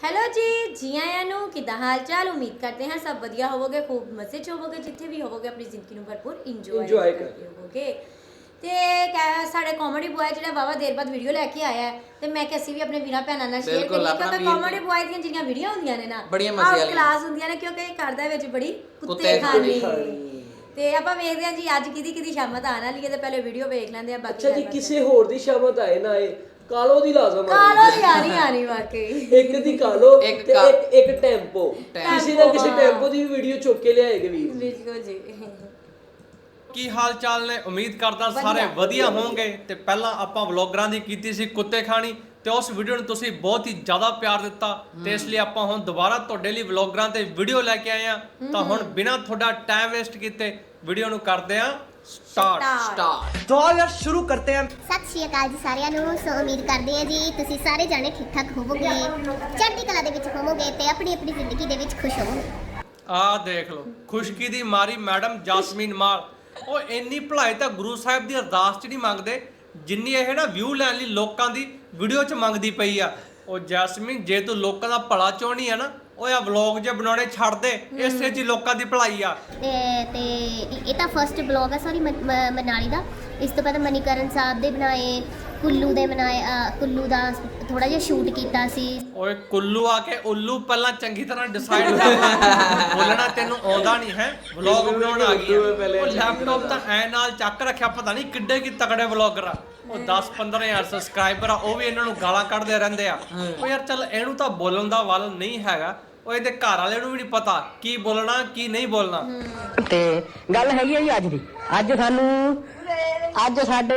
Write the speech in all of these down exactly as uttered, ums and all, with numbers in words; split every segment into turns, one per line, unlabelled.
Hello जी जी आया नू किदा हाल चाल। उम्मीद करते हैं सब वधिया होवोगे, खूब मजे च होवोगे, जिथे भी होवोगे अपनी जिंदगी नू भरपूर इंजॉय करते होवोगे। ते साढ़े कॉमेडी बॉय जो वावा देर बाद वीडियो लैके आया है ते मैं कि असीं भी अपने वीरां भैणां नाल शेयर करिए क्योंकि कॉमेडी बॉय ਦੀਆਂ ਜਿਹੜੀਆਂ ਵੀਡੀਓ ਹੁੰਦੀਆਂ ਨੇ ਨਾ
ਬੜੀਆਂ ਮਜ਼ੇ ਵਾਲੀਆਂ
ਕਲਾਸ ਹੁੰਦੀਆਂ ਨੇ ਕਿਉਂਕਿ ਕਰਦਾ ਵਿੱਚ ਬੜੀ ਕੁੱਤੇ ਖਾਣੀ ਤੇ ਆਪਾਂ ਵੇਖਦੇ ਹਾਂ ਜੀ ਅੱਜ ਕਿਹਦੀ ਕਿਹਦੀ ਸ਼ਾਮਤ ਆਣ ਵਾਲੀ ਹੈ ਤੇ ਪਹਿਲੇ ਵੀਡੀਓ ਵੇਖ ਲੈਂਦੇ ਆ। ਬਾਕੀ
ਅੱਛਾ ਜੀ ਕਿਸੇ ਹੋਰ ਦੀ ਸ਼ਾਮਤ ਆਏ ਨਾ ਆਏ ਕਾਲੋ ਦੀ ਲਾਜ਼ਮ ਆ
ਕਾਲੋ ਦੀ ਆਣੀ ਆਣੀ ਵਾਕਈ
ਇੱਕ ਦੀ ਕਾਲੋ ਤੇ ਇੱਕ ਇੱਕ ਟੈਂਪੋ ਕਿਸੇ ਨਾ ਕਿਸੇ ਟੈਂਪੋ ਦੀ ਵੀਡੀਓ ਚੁੱਕ ਕੇ ਲਿਆਏਗੇ ਵੀਰ
ਬਿਲਕੁਲ ਜੀ।
ਕੀ ਹਾਲ ਚਾਲ ਨੇ? ਉਮੀਦ ਕਰਦਾ ਸਾਰੇ ਵਧੀਆ ਹੋਵੋਗੇ। ਤੇ ਪਹਿਲਾਂ ਆਪਾਂ ਵਲੌਗਰਾਂ ਦੀ ਕੀਤੀ ਸੀ ਕੁੱਤੇ ਖਾਣੀ ਤੇ ਉਸ ਵੀਡੀਓ ਨੂੰ ਤੁਸੀਂ ਬਹੁਤ ਹੀ ਜ਼ਿਆਦਾ ਪਿਆਰ ਦਿੱਤਾ ਤੇ ਇਸ ਲਈ ਆਪਾਂ ਹੁਣ ਦੁਬਾਰਾ ਤੁਹਾਡੇ ਲਈ ਵਲੌਗਰਾਂ ਤੇ ਵੀਡੀਓ ਲੈ ਕੇ ਆਏ ਆ। ਤਾਂ ਹੁਣ ਬਿਨਾਂ ਤੁਹਾਡਾ ਟਾਈਮ ਵੇਸਟ ਕੀਤੇ ਵੀਡੀਓ ਨੂੰ ਕਰਦੇ ਆ ਸਟਾਰਟ
ਸਟਾਰਟ
तो यार शुरू करते हैं।
ਸਤਿ ਸ਼੍ਰੀ ਅਕਾਲ ਜੀ ਸਾਰਿਆਂ ਨੂੰ। ਸੋ ਉਮੀਦ ਕਰਦੇ ਹਾਂ ਜੀ ਤੁਸੀਂ ਸਾਰੇ ਜਾਣੇ ਠੀਕ ਠਾਕ ਹੋਵੋਗੇ, ਚੜ੍ਹਦੀ ਕਲਾ ਦੇ ਵਿੱਚ ਹੋਵੋਗੇ ਤੇ ਆਪਣੀ ਆਪਣੀ ਜ਼ਿੰਦਗੀ ਦੇ ਵਿੱਚ ਖੁਸ਼ ਹੋਵੋਗੇ।
ਆਹ ਦੇਖ ਲਓ ਖੁਸ਼ਕੀ ਦੀ ਮਾਰੀ ਮੈਡਮ ਜਾਸਮੀਨ ਮਾਲ। ਉਹ ਇੰਨੀ ਭਲਾਈ ਤਾਂ ਗੁਰੂ ਸਾਹਿਬ ਦੀ ਅਰਦਾਸ 'ਚ ਨਹੀਂ ਮੰਗਦੇ ਜਿੰਨੀ ਇਹ ਨਾ ਵਿਊ ਲੈਣ ਲਈ ਲੋਕਾਂ ਦੀ ਵੀਡੀਓ 'ਚ ਮੰਗਦੀ ਪਈ ਆ। ਉਹ ਜੈਸਮੀਨ ਜੇ ਤੂੰ ਲੋਕਾਂ ਦਾ ਭਲਾ ਚਾਹਣੀ ਆ ਨਾ ਉਹ ਆ ਵਲੌਗ ਜੇ ਬਣਾਉਣੇ ਛੱਡ ਦੇ, ਇਸੇ 'ਚ ਲੋਕਾਂ ਦੀ ਭਲਾਈ ਆ।
ਤੇ ਤੇ ਇਹ ਤਾਂ ਫਰਸਟ ਬਲੌਗ ਹੈ ਸੌਰੀ ਮਨਾਲੀ ਦਾ। ਇਸ ਤੋਂ ਪਹਿਲਾਂ ਮਨੀਕਰਨ ਸਾਹਿਬ ਦੇ ਬਣਾਏ, ਕੁੱਲੂ ਦੇ ਬਣਾਏ, ਕੁੱਲੂ ਦਾ ਥੋੜਾ ਜਿਹਾ ਸ਼ੂਟ ਕੀਤਾ ਸੀ।
ਓਏ ਕੁੱਲੂ ਆ ਕੇ ਉੱਲੂ ਪਹਿਲਾਂ ਚੰਗੀ ਤਰ੍ਹਾਂ ਡਿਸਾਈਡ ਕਰ ਬੋਲਣਾ ਤੈਨੂੰ ਆਉਂਦਾ ਨਹੀਂ ਹੈ। ਵਲੌਗ ਬਣਾਉਣ ਆ ਗਈ ਉਹ ਲੈਪਟਾਪ ਤਾਂ ਐ ਨਾਲ ਚੱਕ ਰੱਖਿਆ, ਪਤਾ ਨਹੀਂ ਕਿੱਡੇ ਕੀ ਤਗੜੇ ਵਲੌਗਰ ਆ। ਉਹ ਦਸ ਪੰਦਰਾਂ ਹਜ਼ਾਰ ਸਬਸਕ੍ਰਾਈਬਰ ਆ, ਉਹ ਵੀ ਇਹਨਾਂ ਨੂੰ ਗਾਲਾਂ ਕੱਢਦੇ ਰਹਿੰਦੇ ਆ। ਉਹ ਯਾਰ ਚੱਲ ਇਹਨੂੰ ਤਾਂ ਬੋਲਣ ਦਾ ਵੱਲ ਨਹੀਂ ਹੈਗਾ, ਉਹ ਇਹਦੇ ਘਰ ਵਾਲਿਆਂ ਨੂੰ ਵੀ ਨਹੀਂ ਪਤਾ ਕੀ ਬੋਲਣਾ ਕੀ ਨਹੀਂ ਬੋਲਣਾ।
ਤੇ ਗੱਲ ਹੈਗੀ ਆ ਜੀ ਅੱਜ ਦੀ। ਅੱਜ ਸਾਨੂੰ ਅੱਜ ਸਾਡੇ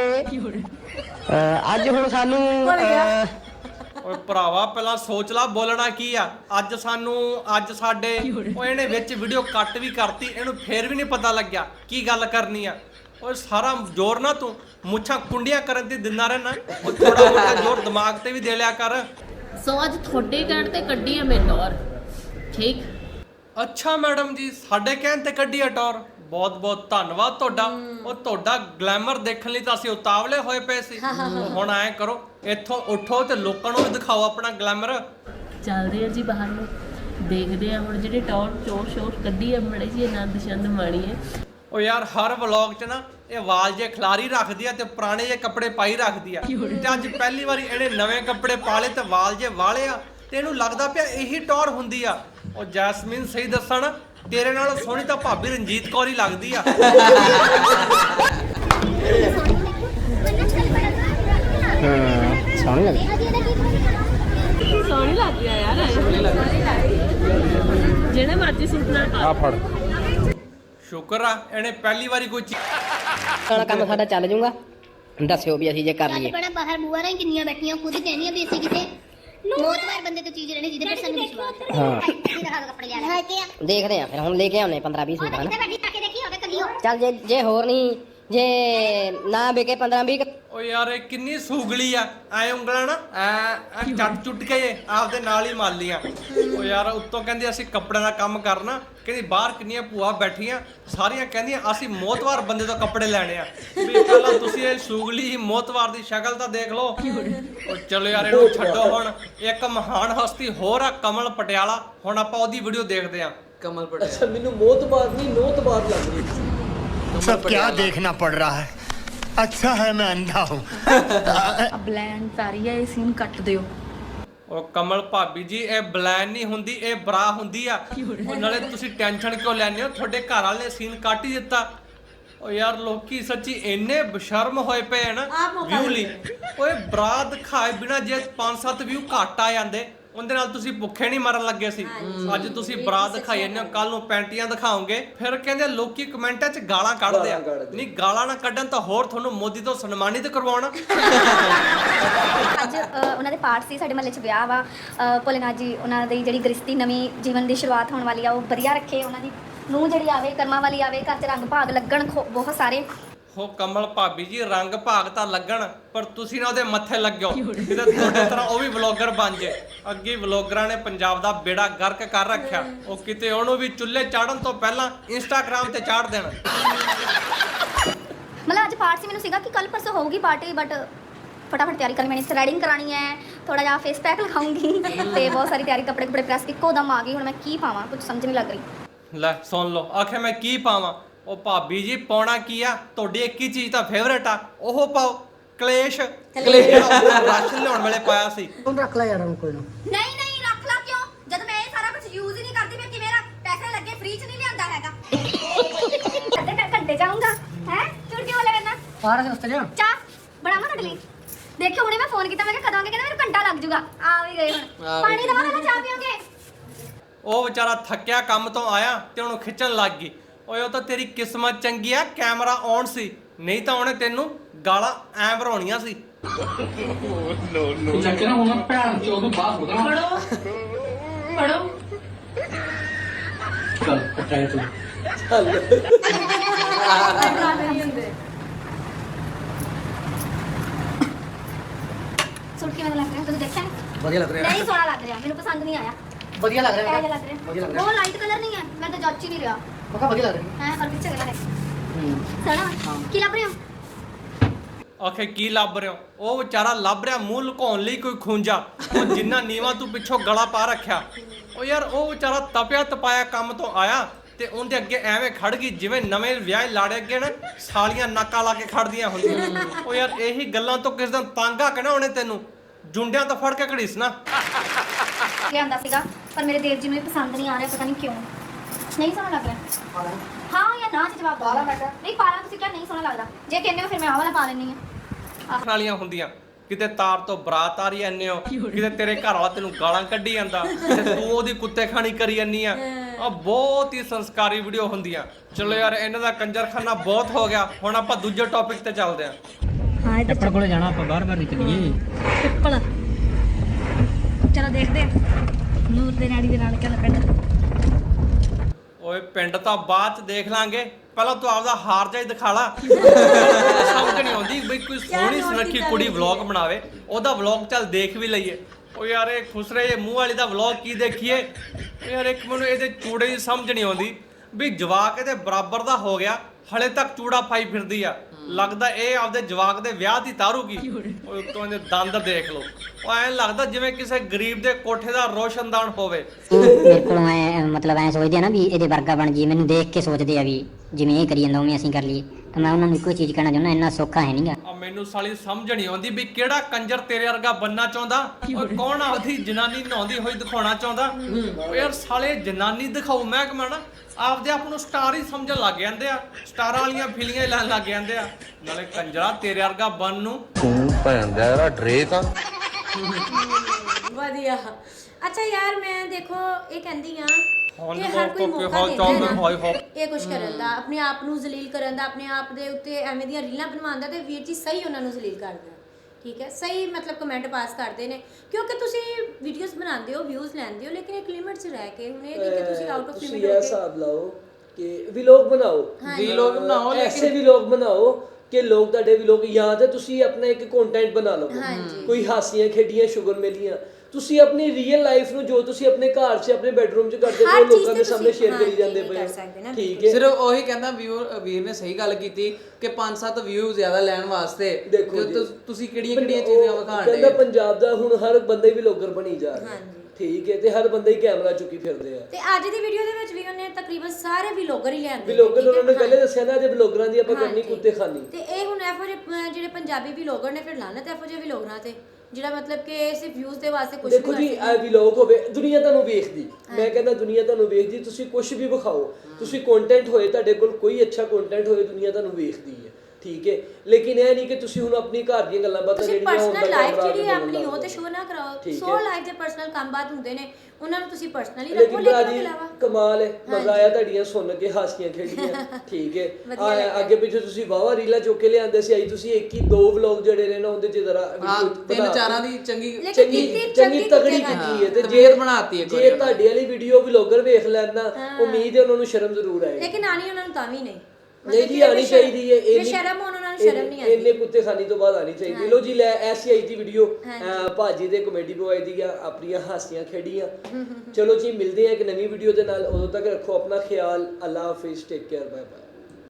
ਅੱਜ ਹੁਣ ਸਾਨੂੰ
ਓਏ ਭਰਾਵਾ ਪਹਿਲਾਂ ਸੋਚ ਲਾ ਬੋਲਣਾ ਕੀ ਆ। ਅੱਜ ਸਾਨੂੰ ਅੱਜ ਸਾਡੇ ਉਹ ਇਹਨੇ ਵਿੱਚ ਵੀਡੀਓ ਕੱਟ ਵੀ ਕਰਤੀ, ਇਹਨੂੰ ਫੇਰ ਵੀ ਨਹੀਂ ਪਤਾ ਲੱਗਿਆ ਕੀ ਗੱਲ ਕਰਨੀ ਆ। ਓਏ ਸਾਰਾ ਜ਼ੋਰ ਨਾ ਤੂੰ ਮੁੱਛਾਂ ਕੁੰਡੀਆਂ ਕਰਨ ਤੇ ਦਿੰਦਾ ਰਹਿਣਾ, ਉਹ ਥੋੜਾ ਬਹੁਤਾ ਜ਼ੋਰ ਦਿਮਾਗ ਤੇ ਵੀ ਦੇ ਲਿਆ ਕਰ।
ਸੋ ਅੱਜ ਤੁਹਾਡੇ ਕਹਿਣ ਤੇ ਕੱਢੀ ਆ ਮੈਂ ਟੌਰ। ਠੀਕ
ਅੱਛਾ ਮੈਡਮ ਜੀ ਸਾਡੇ ਕਹਿਣ ਤੇ ਕੱਢੀ ਆ ਟੌਰ, ਬਹੁਤ ਬਹੁਤ ਧੰਨਵਾਦ ਤੁਹਾਡਾ। ਉਹ ਤੁਹਾਡਾ ਗਲੈਮਰ ਦੇਖਣ ਲਈ ਤਾਂ ਅਸੀਂ ਉਤਾਵਲੇ ਹੋਏ ਪਏ ਸੀ। ਹੁਣ ਐ ਕਰੋ ਇੱਥੋਂ ਉੱਠੋ ਤੇ ਲੋਕਾਂ ਨੂੰ ਵੀ ਦਿਖਾਓ ਆਪਣਾ ਗਲੈਮਰ।
ਚੱਲਦੇ ਆ ਜੀ ਬਾਹਰ ਨੂੰ, ਦੇਖਦੇ ਆ ਹੁਣ ਜਿਹੜੇ ਟੌਰ ਚੋਰ ਸ਼ੋਰ ਕੱਢੀ ਆ ਮੜੇ ਜੀ ਆਨੰਦ ਛੰਦ ਮਾਣੀਏ।
ਉਹ ਯਾਰ ਹਰ ਵਲੌਗ 'ਚ ਨਾ ਇਹ ਵਾਲ ਜੇ ਖਿਲਾਰੀ ਰੱਖਦੀ ਆ ਤੇ ਪੁਰਾਣੇ ਜੇ ਕੱਪੜੇ ਪਾਈ ਰੱਖਦੀ ਆ ਤੇ ਅੱਜ ਪਹਿਲੀ ਵਾਰੀ ਇਹਨੇ ਨਵੇਂ ਕੱਪੜੇ ਪਾ ਲਏ ਤੇ ਵਾਲ ਜੇ ਵਾਲੇ ਆ ਤੇ ਇਹਨੂੰ ਲੱਗਦਾ ਪਿਆ ਇਹੀ ਟੌਰ ਹੁੰਦੀ ਆ। ਉਹ ਜੈਸਮੀਨ ਸਹੀ ਦੱਸਣ ਤੇਰੇ ਨਾਲ ਸੋਹਣੀ ਤਾਂ ਭਾਬੀ ਰਣਜੀਤ ਕੌਰ ਹੀ ਲੱਗਦੀ ਆ।
ਸੋਹਣੀ ਲੱਗਦੀ
ਸੋਹਣੀ ਲੱਗਦੀ ਆ ਯਾਰ, ਜਿਹੜੇ ਮਰਜ਼ੀ ਸੂਟ ਨਾਲ
ਆ ਫੜ।
ਸ਼ੁਕਰ ਆ ਇਹਨੇ ਪਹਿਲੀ ਵਾਰੀ ਕੋਈ
ਸਾਡਾ ਕੰਮ ਸਾਡਾ ਚੱਲ ਜਾਊਗਾ। ਦੱਸਿਓ ਵੀ ਅਸੀਂ ਜੇ ਕਰ ਲਈਏ।
ਬੜਾ ਬਾਹਰ ਬੂਆ ਰਾਂ ਕਿੰਨੀਆਂ ਬੈਠੀਆਂ, ਖੁਦ ਕਹਿੰਦੀਆਂ ਵੀ ਅਸੀਂ ਕਿਤੇ ਮੋਤਵਾਰ ਬੰਦੇ ਤੋਂ ਚੀਜ਼ ਲੈਣੀ ਜਿਹਦੇ ਪਰ ਸਾਨੂੰ ਵਿਸ਼ਵਾਸ ਹੈ।
ਹਾਂ
ਇਹਦਾ ਕੱਪੜੇ ਲੈ ਲੈ ਕੇ ਆ
ਦੇਖਦੇ ਆ ਫਿਰ ਹੁਣ ਲੈ ਕੇ ਆਉਨੇ ਪੰਦਰਾਂ ਵੀਹ ਸੂਟ ਹਨ।
ਕਿਤੇ ਬੈਠੀ ਆ ਕੇ ਦੇਖੀ ਹੋਵੇ ਕਦੀ ਹੋ।
ਚੱਲ ਜੇ ਜੇ ਹੋਰ ਨਹੀਂ ਜੇ ਨਾ ਵਿਕੇ ਪੰਦਰਾਂ ਵੀਹ।
ਓ ਯਾਰ ਇਹ ਕਿੰਨੀ ਸੂਗਲੀ ਆ, ਐ ਉਂਗਲਾਂ ਨਾ ਐ ਚੱਟ ਚੁੱਟ ਕੇ ਆਪਦੇ ਨਾਲ ਹੀ ਮਾਰ ਲੀਆਂ। ਓ ਯਾਰ ਉੱਤੋਂ ਕਹਿੰਦੇ ਅਸੀਂ ਕੱਪੜਿਆਂ ਦਾ ਕੰਮ ਕਰਨਾ, ਕਹਿੰਦੀ ਬਾਹਰ ਕਿੰਨੀਆਂ ਭੂਆ ਬੈਠੀਆਂ ਸਾਰੀਆਂ ਕਹਿੰਦੀਆਂ ਅਸੀਂ ਮੋਤਵਾਰ ਬੰਦੇ ਤੋਂ ਕੱਪੜੇ ਲੈਣੇ ਆ। ਵੀ ਪਹਿਲਾਂ ਤੁਸੀਂ ਇਹ ਸੂਗਲੀ ਮੋਤਵਾਰ ਦੀ ਸ਼ਕਲ ਤਾਂ ਦੇਖ ਲਓ। ਓ ਚਲੋ ਯਾਰ ਇਹਨੂੰ ਛੱਡੋ। ਹੁਣ ਇੱਕ ਮਹਾਨ ਹਸਤੀ ਹੋਰ ਆ ਕਮਲ ਪਟਿਆਲਾ, ਹੁਣ ਆਪਾਂ ਉਹਦੀ ਵੀਡੀਓ ਦੇਖਦੇ ਆ।
ਕਮਲ ਪਟਿਆਲਾ।
ਅੱਛਾ ਮੈਨੂੰ ਮੌਤਬਾਰ ਨਹੀਂ ਨੌਤਬਾਰ ਲੱਗ ਰਹੀ।
सब क्या देखना पड़ रहा है? अच्छा है मैं अंधा हूँ।
ਬਲੈਨ ਸਾਰੀ ਹੈ, ਇਹ ਸੀਨ ਕੱਟ ਦਿਓ।
ਉਹ ਕਮਲ ਭਾਬੀ ਜੀ ਇਹ ਬਲੈਨ ਨਹੀਂ ਹੁੰਦੀ, ਇਹ ਬਰਾ ਹੁੰਦੀ ਆ। ਉਹ ਨਾਲੇ ਤੁਸੀਂ ਟੈਨਸ਼ਨ ਕਿਉਂ ਲੈਂਦੇ ਹੋ, ਤੁਹਾਡੇ ਘਰ ਵਾਲੇ ਨੇ ਸੀਨ ਕੱਟ ਹੀ ਦਿੱਤਾ। ਉਹ ਯਾਰ ਲੋਕੀ ਸੱਚੀ ਇੰਨੇ ਬਸ਼ਰਮ ਹੋਏ ਪਏ ਆ ਨਾ ਵਿਊ ਲਈ। ਓਏ ਬਰਾ ਦਿਖਾਏ ਬਿਨਾ ਜੇ ਪੰਜ ਸੱਤ ਵਿਊ ਘੱਟ ਆ ਜਾਂਦੇ ਉਹਦੇ ਨਾਲ ਤੁਸੀਂ ਭੁੱਖੇ ਨਹੀਂ ਮਰਨ ਲੱਗੇ ਸੀ। ਅੱਜ ਤੁਸੀਂ ਬਰਾ ਦਿਖਾਈ ਜਾਂਦੇ ਹੋ, ਕੱਲ ਨੂੰ ਪੈਂਟੀਆਂ ਦਿਖਾਓਗੇ ਫਿਰ ਕਹਿੰਦੇ ਲੋਕੀ ਕਮੈਂਟਾਂ 'ਚ ਗਾਲਾਂ ਕੱਢਦੇ ਆ। ਨਹੀਂ ਗਾਲਾਂ ਨਾ ਕੱਢਣ ਤਾਂ ਹੋਰ ਤੁਹਾਨੂੰ ਮੋਦੀ ਤੋਂ ਸਨਮਾਨਿਤ ਕਰਵਾਉਣਾ।
ਅੱਜ ਉਹਨਾਂ ਦੇ ਪਾਠ ਸੀ, ਸਾਡੇ ਮਹੱਲੇ 'ਚ ਵਿਆਹ ਵਾ। ਭੋਲੇਨਾਥ ਜੀ ਉਹਨਾਂ ਦੀ ਜਿਹੜੀ ਗ੍ਰਸਤੀ ਨਵੀਂ ਜੀਵਨ ਦੀ ਸ਼ੁਰੂਆਤ ਹੋਣ ਵਾਲੀ ਆ ਉਹ ਵਧੀਆ ਰੱਖੇ। ਉਹਨਾਂ ਦੀ ਨੂੰਹ ਜਿਹੜੀ ਆਵੇ ਕਰਮਾਂ ਵਾਲੀ ਆਵੇ, ਘਰ 'ਚ ਰੰਗ ਭਾਗ ਲੱਗਣ ਬਹੁਤ ਸਾਰੇ।
ਹੋ ਕਮਲ ਭਾਬੀ ਜੀ ਰੰਗ ਭਾਗ ਤਾਂ ਲੱਗਣ ਪਰ ਤੁਸੀਂ ਨਾ ਉਹਦੇ ਮੱਥੇ ਲੱਗਿਓ ਕਿਤੇ ਤੁਹਾਡੇ ਤਰ੍ਹਾਂ ਉਹ ਵੀ ਵਲੌਗਰ ਬਣ ਜੇ। ਅੱਗੇ ਵਲੌਗਰਾਂ ਨੇ ਪੰਜਾਬ ਦਾ ਬੇੜਾ ਗਰਕ ਕਰ ਰੱਖਿਆ, ਉਹ ਕਿਤੇ ਉਹਨੂੰ ਵੀ ਚੁੱਲ੍ਹੇ ਚਾੜਨ ਤੋਂ ਪਹਿਲਾਂ ਇੰਸਟਾਗ੍ਰਾਮ ਤੇ ਚਾੜ ਦੇਣ।
ਮਤਲਬ ਅੱਜ ਪਾਠ ਸੀ, ਮੈਨੂੰ ਸੀਗਾ ਕਿ ਕੱਲ ਪਰਸੋਂ ਹੋਊਗੀ ਪਾਰਟੀ ਬਟ फटाफट तैयारी करनी, मैंने थ्रेडिंग करानी है, थोड़ा जा फेस पैक लगाऊंगी ਤੇ ਬਹੁਤ ਸਾਰੀ ਤਿਆਰੀ, ਕੱਪੜੇ ਕੁਪੜੇ ਪ੍ਰੈਸ ਇੱਕੋ ਦਮ ਆ ਗਈ। ਹੁਣ ਮੈਂ ਕੀ ਪਾਵਾਂ, ਕੁਝ ਸਮਝ ਨਹੀਂ ਲੱਗ ਰਹੀ।
ਲੈ ਸੁਣ ਲਓ, ਆਖੇ ਮੈਂ ਕੀ ਪਾਵਾਂ। ਉਹ ਭਾਬੀ ਜੀ ਪਾਉਣਾ ਕੀ ਆ, ਤੁਹਾਡੀ ਇੱਕ ਹੀ ਚੀਜ਼ ਤਾਂ ਫੇਵਰੇਟ ਆ, ਉਹ ਪਾਓ, ਕਲੇਸ਼। ਕਲੇਸ਼ ਰਾਸ਼ਨ ਲਿਆਉਣ ਵੇਲੇ ਪਾਇਆ ਸੀ।
ਰੱਖ ਲੈ ਯਾਰ ਕੋਈ ਨਾ।
ਨਹੀਂ ਨਹੀਂ ਰੱਖ ਲਾ ਕਿਉਂ, ਜਦ ਮੈਂ ਇਹ ਸਾਰਾ ਕੁਝ ਯੂਜ਼ ਹੀ ਨਹੀਂ ਕਰਦੀ, ਮੈਂ ਕਿਵੇਂ ਰੱਖ, ਪੈਸੇ ਲੱਗੇ ਫ੍ਰੀ ਚ ਨਹੀਂ ਲਿਆਂਦਾ ਹੈਗਾ। ਅੱਧੇ ਘੰਟੇ ਜਾਊਂਗਾ ਹੈ, ਝੂਠ ਕਿਉਂ ਬੋਲੇ ਮੈਨਾਂ।
ਸਾਰਾ ਸੇ ਉਸਤੇ ਜਾ
ਚਾਹ ਬਣਾਵਾਂ ਤੁਹਾਡੇ ਲਈ। ਦੇਖਿਓ ਹੁਣੇ ਮੈਂ ਫੋਨ ਕੀਤਾ, ਮੈਂ ਕਿਹਾ ਕਦੋਂ ਆਉਂਗੇ, ਕਹਿੰਦੇ ਮੈਨੂੰ ਘੰਟਾ ਲੱਗ ਜਾਊਗਾ। ਆ ਵੀ ਗਏ ਹੁਣ, ਪਾਣੀ ਦਵਾ ਪਹਿਲਾਂ, ਚਾਹ ਪੀਓਗੇ।
ਉਹ ਵਿਚਾਰਾ ਥੱਕਿਆ ਕੰਮ ਤੋਂ ਆਇਆ ਤੇ ਉਹਨੂੰ ਖਿੱਚਣ ਲੱਗ ਗਈ। ਓਏ ਉਹ ਤਾਂ ਤੇਰੀ ਕਿਸਮਤ ਚੰਗੀ ਆ, ਕੈਮਰਾ ਔਨ ਸੀ, ਨਹੀਂ ਤਾਂ ਉਹਨੇ ਤੈਨੂੰ ਗਾਲਾਂ ਐਂ ਭਰਾਉਣੀਆਂ ਸੀ।
ਚੱਕਰ ਹੁਣ ਭੈਣ ਚੋਦ ਬਾਹਰ ਹੋ ਗਿਆ।
ਪੜੋ ਪੜੋ
ਚੱਲ ਪਟਾਇਆ ਤੂੰ
ਸੁਣ ਕਿਵੇਂ ਲੱਗ ਰਿਹਾ, ਤੁਸੀਂ ਦੇਖਿਆ
ਵਧੀਆ ਲੱਗ ਰਿਹਾ।
ਨਹੀਂ ਸੋਹਣਾ ਲੱਗ ਰਿਹਾ, ਮੈਨੂੰ ਪਸੰਦ ਨਹੀਂ ਆਇਆ।
ਵਧੀਆ ਲੱਗ ਰਿਹਾ।
ਕਿਹੋ ਜਿਹਾ ਲੱਗ ਰਿਹਾ,
ਵਧੀਆ ਲੱਗ ਰਿਹਾ।
ਉਹ ਲਾਈਟ ਕਲਰ ਨਹੀਂ ਹੈ, ਮੈਂ ਤਾਂ ਜੱਜ ਹੀ ਨਹੀਂ ਰਿਹਾ।
ਪੱਕਾ ਵਧੀਆ ਲੱਗ ਰਿਹਾ।
ਹੈ ਪਰ ਪਿੱਛੇ ਕਲਰ ਹੈ
ਹੂੰ
ਸੋਹਣਾ। ਕੀ ਲੱਭ ਰਹੇ ਹੋ?
ਆਖੇ ਕੀ ਲੱਭ ਰਿਹਾ, ਉਹ ਵਿਚਾਰਾ ਲੱਭ ਰਿਹਾ ਮੂੰਹ ਲੁਕਾਉਣ ਲਈ ਕੋਈ ਖੂੰਜਾ। ਉਹ ਜਿੰਨਾ ਨੀਵਾ ਤੂੰ ਪਿੱਛੋਂ ਗਲਾ ਪਾ ਰੱਖਿਆ। ਉਹ ਯਾਰ ਉਹ ਵਿਚਾਰਾ ਤਪਿਆ ਤਪਾਇਆ ਕੰਮ ਤੋਂ ਆਇਆ ਤੇ ਉਹਦੇ ਅੱਗੇ ਐਵੇਂ ਖੜ ਗਈ ਜਿਵੇਂ ਨਵੇਂ ਵਿਆਹ ਲਾੜੇ ਅੱਗੇ ਨਾ ਸਾਲੀਆਂ ਨਾਕਾ ਲਾ ਕੇ ਖੜਦੀਆਂ ਹੁੰਦੀਆਂ। ਉਹ ਯਾਰ ਇਹੀ ਗੱਲਾਂ ਤੋਂ ਕਿਸ ਦਿਨ ਤੰਗ ਆ ਕੇ ਨਾ ਉਹਨੇ ਤੈਨੂੰ ਜੁੰਡਿਆਂ ਤੋਂ ਫੜ ਕੇ ਘੜੀਸਣਾ।
ਲਿਆਂਦਾ ਸੀਗਾ ਪਰ ਮੇਰੇ ਦੇਵ ਜੀ ਨੂੰ ਇਹ ਪਸੰਦ ਨਹੀਂ ਆ ਰਿਹਾ, ਪਤਾ ਨਹੀਂ ਕਿਉਂ। ਨਹੀਂ ਸੋਹਣਾ ਲੱਗ ਰਿਹਾ। ਹਾਂ ਜਾਂ ਨਾ ਚ ਜਵਾਬ ਪਾਲਾ। ਨਹੀਂ ਪਾਲਾ, ਤੁਸੀਂ ਕਿਹਾ ਨਹੀਂ ਸੋਹਣਾ ਲੱਗਦਾ। ਜੇ ਕਹਿੰਦੇ ਹੋ ਫਿਰ ਮੈਂ ਆਹ ਵਾਲਾ ਪਾ ਲੈਣੀ ਆ।
ਵਾਲੀਆਂ ਹੁੰਦੀਆਂ, ਕਿਤੇ ਤਾਰ ਤੋਂ ਬਰਾਤ ਆ ਰਹੀ ਐਨੇ ਹੋ, ਕਿਤੇ ਤੇਰੇ ਘਰ ਵਾਲਾ ਤੈਨੂੰ ਗਾਲਾਂ ਕੱਢੀ ਜਾਂਦਾ, ਕਿਤੇ ਤੂੰ ਉਹਦੀ ਕੁੱਤੇ ਖਾਣੀ ਕਰੀ ਜਾਂਦੀ ਆ। ਆ ਬਹੁਤ ਹੀ ਸੰਸਕਾਰੀ ਵੀਡੀਓ ਹੁੰਦੀਆਂ। ਚਲੋ ਯਾਰ ਇਹਨਾਂ ਦਾ ਕੰਜਰਖਾਨਾ ਬਹੁਤ ਹੋ ਗਿਆ, ਹੁਣ ਆਪਾਂ ਦੂਜੇ ਟੌਪਿਕ ਤੇ ਚੱਲਦੇ ਆਂ।
ਹਾਂ ਪਿੱਪਲ ਕੋਲੇ ਜਾਣਾ ਆਪਾਂ, ਬਾਰ ਬਾਰ ਨਿਕਲੀਏ।
ਪਿੱਪਲ ਚਲੋ ਦੇਖਦੇ ਆ ਨੂਰ ਦੇ ਨਾੜੀ ਦੇ ਨਾਲ ਕਿਹੜਾ ਪਿੰਡ।
ਓਏ ਪਿੰਡ ਤਾਂ ਬਾਅਦ ਚ ਦੇਖ ਲਾਂਗੇ, ਪਹਿਲਾਂ ਤੂੰ ਆਪਦਾ ਹਾਰ ਜਾਈ ਦਿਖਾ ਲਾ। ਸਮਝ ਨਹੀਂ ਆਉਂਦੀ ਬਈ ਕੋਈ ਸੋਹਣੀ ਸੁਨੱਖੀ ਕੁੜੀ ਵਲੌਗ ਬਣਾਵੇ, ਉਹਦਾ ਵਲੌਗ ਚੱਲ ਦੇਖ ਵੀ ਲਈਏ। ਓ ਯਾਰ ਇਹ ਖੁਸਰੇ ਜੇ ਮੂੰਹ ਵਾਲੀ ਦਾ ਵਲੌਗ ਕੀ ਦੇਖੀਏ। ਯਾਰ ਇੱਕ ਮੈਨੂੰ ਇਹਦੇ ਚੂੜੇ ਦੀ ਸਮਝ ਨਹੀਂ ਆਉਂਦੀ ਵੀ ਜਵਾਕ ਇਹਦੇ ਬਰਾਬਰ ਦਾ ਹੋ ਗਿਆ, ਹਲੇ ਤੱਕ ਚੂੜਾ ਪਾਈ ਫਿਰਦੀ ਆ। ਲੱਗਦਾ ਇਹ ਆਪਦੇ ਜਵਾਕ ਦੇ ਵਿਆਹ ਦੀ ਤਾਰੂਗੀ। ਓਏ ਤੋਂ ਇਹਦੇ ਦੰਦ ਦੇਖ ਲਓ, ਉਹ ਐਂ ਲੱਗਦਾ ਜਿਵੇਂ ਕਿਸੇ ਗਰੀਬ ਦੇ ਕੋਠੇ ਦਾ ਰੋਸ਼ਨਦਾਨ ਹੋਵੇ।
ਮੇਰੇ ਕੋਲੋਂ ਐ ਮਤਲਬ ਐ ਸੋਚਦੇ ਆ ਨਾ ਵੀ ਇਹਦੇ ਵਰਗਾ ਬਣ ਜੀ, ਮੈਨੂੰ ਦੇਖ ਕੇ ਸੋਚਦੇ ਆ ਵੀ ਜਿਵੇਂ ਇਹ ਕਰੀ ਜਾਂਦਾ ਉਵੇਂ ਅਸੀਂ ਕਰ ਲਈਏ। ਤਾਂ ਮੈਂ ਉਹਨਾਂ ਨੂੰ ਇੱਕੋ ਚੀਜ਼ ਕਹਿਣਾ ਚਾਹੁੰਦਾ, ਇੰਨਾ ਸੌਖਾ ਹੈ ਨਹੀਂਗਾ।
ਆ ਮੈਨੂੰ ਸਾਲੀ ਸਮਝ ਨਹੀਂ ਆਉਂਦੀ ਵੀ ਕਿਹੜਾ ਕੰਜਰ ਤੇਰੇ ਵਰਗਾ ਬੰਨਾ ਚਾਹੁੰਦਾ। ਓਏ ਕੌਣ ਆਪਦੀ ਜਨਾਨੀ ਨਹਾਉਂਦੀ ਹੋਈ ਦਿਖਾਉਣਾ ਚਾਹੁੰਦਾ। ਓ ਯਾਰ ਸਾਲੇ ਜਨਾਨੀ ਦਿਖਾਉ ਮੈਂ ਕਮਾਣਾ, ਆਪਦੇ ਆਪ ਨੂੰ ਸਟਾਰ ਹੀ ਸਮਝਣ ਲੱਗ ਜਾਂਦੇ ਆ, ਸਟਾਰਾਂ ਵਾਲੀਆਂ ਫੀਲਿੰਗਾਂ ਲੈਣ ਲੱਗ ਜਾਂਦੇ ਆ। ਨਾਲੇ ਕੰਜਰਾ ਤੇਰੇ ਵਰਗਾ ਬਣ ਨੂੰ
ਤੂੰ ਭੈਣ ਦਾ ਯਾਰ ਡਰੇ ਤਾਂ
ਵਧੀਆ। ਅੱਛਾ ਯਾਰ ਮੈਂ ਦੇਖੋ ਇਹ ਕਹਿੰਦੀ ਆ
ਹੁਣ
ਕਿ ਹਰ ਕੋਈ
ਲੋਕ
ਮੌਕਾ
ਹਾਲ
ਦਿੰਦਾ
ਚਾਲ
ਹੈ
ਹਾਈ
ਨਾ
ਹੋ
ਇਹ ਕੁਝ ਕਰਨ ਦਾ, ਆਪਣੇ ਆਪ ਨੂੰ ਜ਼ਲੀਲ ਕਰਨ ਦਾ, ਆਪਣੇ ਆਪ ਦੇ ਉੱਤੇ ਐਵੇਂ ਦੀਆਂ ਰੀਲਾਂ ਬਣਵਾਉਣ ਦਾ। ਤੇ ਵੀਰ ਜੀ ਸਹੀ ਉਹਨਾਂ ਨੂੰ ਜ਼ਲੀਲ ਕਰਦਾ, ਠੀਕ ਹੈ, ਸਹੀ ਮਤਲਬ ਕਮੈਂਟ ਪਾਸ ਕਰਦੇ ਨੇ ਕਿਉਂਕਿ ਤੁਸੀਂ ਵੀਡੀਓਜ਼ ਬਣਾਉਂਦੇ ਹੋ, ਵਿਊਜ਼ ਲੈਂਦੇ ਹੋ, ਲੇਕਿਨ ਇੱਕ ਲਿਮਿਟ 'ਚ ਰਹਿ ਕੇ। ਹੁਣ ਇਹ ਨਹੀਂ ਕਿ ਤੁਸੀਂ ਆਊਟ ਆਫ ਲਿਮਿਟ ਹੋ
ਕੇ ਹਿਸਾਬ ਲਾਓ ਕਿ ਵਲੌਗ ਬਣਾਓ, ਵਲੌਗ ਬਣਾਓ, ਐਸੇ ਵਲੌਗ ਬਣਾਓ ਕਿ ਲੋਕ ਤੁਹਾਡੇ ਵਲੌਗ ਜਾਂ ਤੇ ਤੁਸੀਂ ਆਪਣਾ ਇੱਕ ਕੰਟੈਂਟ ਬਣਾ ਲਓ, ਕੋਈ ਹਾਸੀਆਂ ਖੇਡੀਆਂ ਸ਼ੁਗਰ ਮੇਲੀਆਂ। ਤੁਸੀਂ ਆਪਣੀ ਰੀਅਲ ਲਾਈਫ ਨੂੰ ਜੋ ਤੁਸੀਂ ਆਪਣੇ ਘਰ 'ਚ ਆਪਣੇ ਬੈਡਰੂਮ 'ਚ ਕਰਦੇ ਪਏ ਲੋਕਾਂ ਦੇ ਸਾਹਮਣੇ ਸ਼ੇਅਰ ਕਰੀ ਜਾਂਦੇ ਪਏ, ਠੀਕ ਹੈ।
ਸਿਰਫ ਉਹੀ ਕਹਿੰਦਾ ਵੀਰ ਵੀਰ ਨੇ ਸਹੀ ਗੱਲ ਕੀਤੀ ਕਿ ਪੰਜ ਸੱਤ ਵਿਊ ਜ਼ਿਆਦਾ ਲੈਣ ਵਾਸਤੇ
ਦੇਖੋ
ਤੁਸੀਂ ਕਿਹੜੀਆਂ ਕਿਹੜੀਆਂ ਚੀਜ਼ਾਂ ਵਿਖਾਣ
ਕਹਿੰਦਾ ਪੰਜਾਬ ਦਾ ਹੁਣ ਹਰ ਬੰਦਾ ਹੀ ਵਲੌਗਰ ਬਣੀ ਜਾ ਰਿਹਾ, ਠੀਕ ਹੈ, ਤੇ ਹਰ ਬੰਦਾ ਹੀ ਕੈਮਰਾ ਚੁੱਕੀ ਫਿਰਦੇ ਆ।
ਤੇ ਅੱਜ ਦੀ ਵੀਡੀਓ ਦੇ ਵਿੱਚ ਵੀ ਉਹਨੇ ਤਕਰੀਬਨ ਸਾਰੇ ਵਲੌਗਰ ਹੀ ਲਿਆਂਦੇ।
ਵਲੌਗਰ ਉਹਨਾਂ ਨੇ ਪਹਿਲੇ ਦੱਸਿਆ ਨਾ, ਜੇ ਵਲੌਗਰਾਂ ਦੀ ਆਪਾਂ ਕਰਨੀ ਕੁੱਤੇ ਖਾਨੀ।
ਤੇ ਇਹ ਹੁਣ ਇਹੋ ਜਿਹੇ ਜਿਹੜੇ ਪੰਜਾਬੀ ਵਲੌਗਰ ਨੇ ਫਿਰ ਲਾਨਤ ਇਹੋ ਜਿਹੇ ਵਲੌਗਰਾਂ ਤੇ ਜਿਹੜਾ ਮਤਲਬ ਕਿ ਸਿਰਫ ਵਿਊਜ਼ ਦੇ ਵਾਸਤੇ ਕੁਝ
ਦੇਖੋ ਜੀ ਇਹ ਵਲੌਗ ਹੋਵੇ, ਦੁਨੀਆ ਤੁਹਾਨੂੰ ਵੇਖਦੀ, ਮੈਂ ਕਹਿੰਦਾ ਦੁਨੀਆ ਤੁਹਾਨੂੰ ਵੇਖਦੀ, ਤੁਸੀਂ ਕੁਝ ਵੀ ਵਿਖਾਓ, ਤੁਸੀਂ ਕੰਟੈਂਟ ਹੋਏ ਤੁਹਾਡੇ ਕੋਲ, ਕੋਈ ਅੱਛਾ ਕੰਟੈਂਟ ਹੋਏ, ਦੁਨੀਆ ਤੁਹਾਨੂੰ ਵੇਖਦੀ ਹੈ, ਠੀਕ ਹੈ। ਲੇਕਿਨ ਇਹ ਨਹੀਂ ਕਿ ਤੁਸੀਂ ਹੁਣ ਆਪਣੀ ਘਰ ਦੀਆਂ ਗੱਲਾਂ ਬਾਤਾਂ ਜਿਹੜੀਆਂ
ਪਰਸਨਲ ਲਾਈਫ ਜਿਹੜੀ ਆਪਣੀ ਉਹ ਤੇ ਸ਼ੋ ਨਾ ਕਰਾਓ। ਸੋ ਲਾਈਫ ਦੇ ਪਰਸਨਲ ਕੰਮ ਬਾਤ ਹੁੰਦੇ ਨੇ, ਉਹਨਾਂ ਨੂੰ ਤੁਸੀਂ ਪਰਸਨਲੀ ਰੱਖੋ। ਲੇਕਿਨ ਉਹਦੇ ਇਲਾਵਾ
ਕਮਾਲ ਹੈ, ਮਜ਼ਾ ਆਇਆ ਤੁਹਾਡੀਆਂ ਸੁਣ ਕੇ, ਹਾਸੀਆਂ ਖੇਡੀਆਂ, ਠੀਕ ਹੈ। ਅੱਗੇ ਪਿੱਛੇ ਤੁਸੀਂ ਵਾਵਾ ਰੀਲਾ ਚੁੱਕ ਕੇ ਲਿਆਂਦੇ ਸੀ, ਆਈ ਤੁਸੀਂ ਇੱਕ ਹੀ ਦੋ ਵਲੌਗ ਜਿਹੜੇ ਨੇ ਨਾ ਉਹਦੇ ਚ ਜ਼ਰਾ
ਤਿੰਨ ਚਾਰਾਂ ਦੀ ਚੰਗੀ
ਚੰਗੀ ਚੰਗੀ ਤਗੜੀ ਕੀਤੀ ਹੈ। ਤੇ ਜੇ ਬਣਾਤੀ ਹੈ, ਜੇ ਤੁਹਾਡੀ ਵਾਲੀ ਵੀਡੀਓ ਵਲੌਗਰ ਵੇਖ ਲੈਣ ਨਾ, ਉਮੀਦ ਹੈ ਉਹਨਾਂ ਨੂੰ ਸ਼ਰਮ ਜ਼ਰੂਰ ਆਏਗੀ।
ਲੇਕਿਨ ਆਣੀ ਉਹਨਾਂ ਨੂੰ ਤਾਂ ਵੀ ਨਹੀਂ
ਨਹੀਂ ਜੀ, ਆਣੀ ਚਾਹੀਦੀ ਹੈ।
ਇਹ ਸ਼ਰਮ ਉਹਨਾਂ ਨੂੰ ਸ਼ਰਮ ਨਹੀਂ ਆਉਂਦੀ,
ਇੰਨੇ ਕੁੱਤੇ ਖਾਨੀ ਤੋਂ ਬਾਅਦ ਆਣੀ ਚਾਹੀਦੀ। ਲੋ ਜੀ ਲੈ ਐਸੀ ਆਈ ਦੀ ਵੀਡੀਓ, ਭਾਜੀ ਦੇ ਕਮੇਡੀ ਬੋਏ ਦੀ ਆਪਣੀਆਂ ਹਾਸੀਆਂ ਖੇਡੀਆਂ। ਚਲੋ ਜੀ ਮਿਲਦੇ ਆ ਇੱਕ ਨਵੀਂ ਵੀਡੀਓ ਦੇ ਨਾਲ, ਉਦੋਂ ਤੱਕ ਰੱਖੋ ਆਪਣਾ ਖਿਆਲ। ਅੱਲਾ ਹਾਫਿਜ਼, ਟੇਕ ਕੇਅਰ, ਬਾਏ ਬਾਏ।